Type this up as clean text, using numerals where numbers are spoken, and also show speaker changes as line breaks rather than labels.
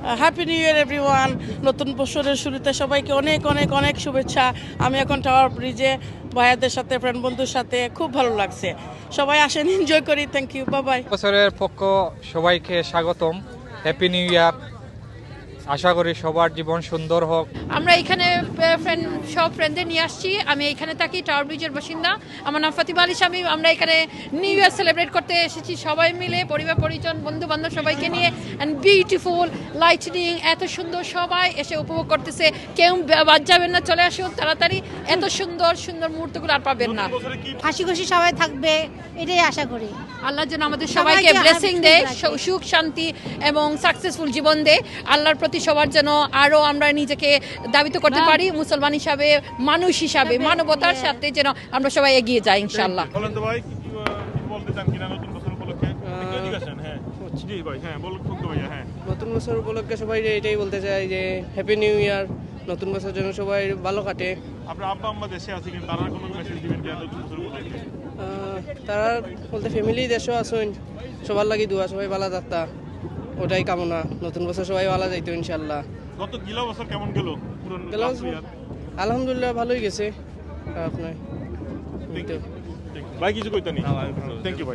Happy new year everyone. নতুন বছরের শুরুতে সবাইকে অনেক অনেক অনেক শুভেচ্ছা। আমি এখন টাওয়ার ব্রিজে ভাইয়াদের সাথে ফ্রেন্ড বন্ধুর সাথে খুব ভালো লাগছে। সবাই আসেন, এনজয় করি। Thank you, bye bye.
বছরের পক্ষ সবাইকে স্বাগতম। Happy new year. আশা করি সবার জীবন সুন্দর হোক।
আমরা এখানে সব ফ্রেন্ডদের নিয়ে আসছি। আমি এখানে থাকি, টাওয়ার ব্রিজের বাসিন্দা। আমার নাম ফাতিমা আলী শামীম। আমরা এখানে নিউ ইয়ার সেলিব্রেট করতে এসেছি সবাই মিলে, পরিবার পরিজন বন্ধু বান্ধব সবাইকে নিয়ে। অ্যান্ড বিউটিফুল লাইটনিং, এত সুন্দর, সবাই এসে উপভোগ করতেছে। কেউ বাদ যাবেন না, চলে আসুন তাড়াতাড়ি। এত সুন্দর সুন্দর মুহূর্তগুলো আর পাবেন না।
হাসি খুশি সবাই থাকবে, এটাই আশা করি।
আল্লাহ যেন আমাদের সবাইকে ব্লেসিং দেয়, সুখ শান্তি এবং সাকসেসফুল জীবন দেয়। আল্লাহর প্রতি সবার যেন আরো আমরা নিজেকে দাবিত করতে পারি, মুসলমান হিসাবে, মানুষ হিসাবে, মানবতার সাথে যেন আমরা সবাই এগিয়ে যাই ইনশাআল্লাহ।
বলেন তো ভাই, কি বলতে চান কিনা নতুন বছর উপলক্ষে? একটু এদিকে আসেন। হ্যাঁ জি ভাই, হ্যাঁ বলুন তো ভাইয়া। হ্যাঁ,
নতুন বছর উপলক্ষে সবাই এটাই বলতে চাই যে হ্যাপি নিউ ইয়ার। নতুন বছর যেন সবাই ভালো কাটে।
আপনার আব্বা আম্মা দেশে আছে কিন্তু তারা কোনো মেসেজ দিবেন কিনা নতুন বছর উপলক্ষে?
তারা বলতে ফ্যামিলি দেশও আসুন, সবার লাগি দোয়া, সবাই ভালো যাত্রা, ওটাই কামনা। নতুন বছর সবাই ভালো যাইতো ইনশাল্লাহ।
গত গিলা বছর কেমন গেল?
গেল আলহামদুলিল্লাহ ভালোই গেছে। আপনার
ভাই কিছু কইতানি? থ্যাংক ইউ ভাই।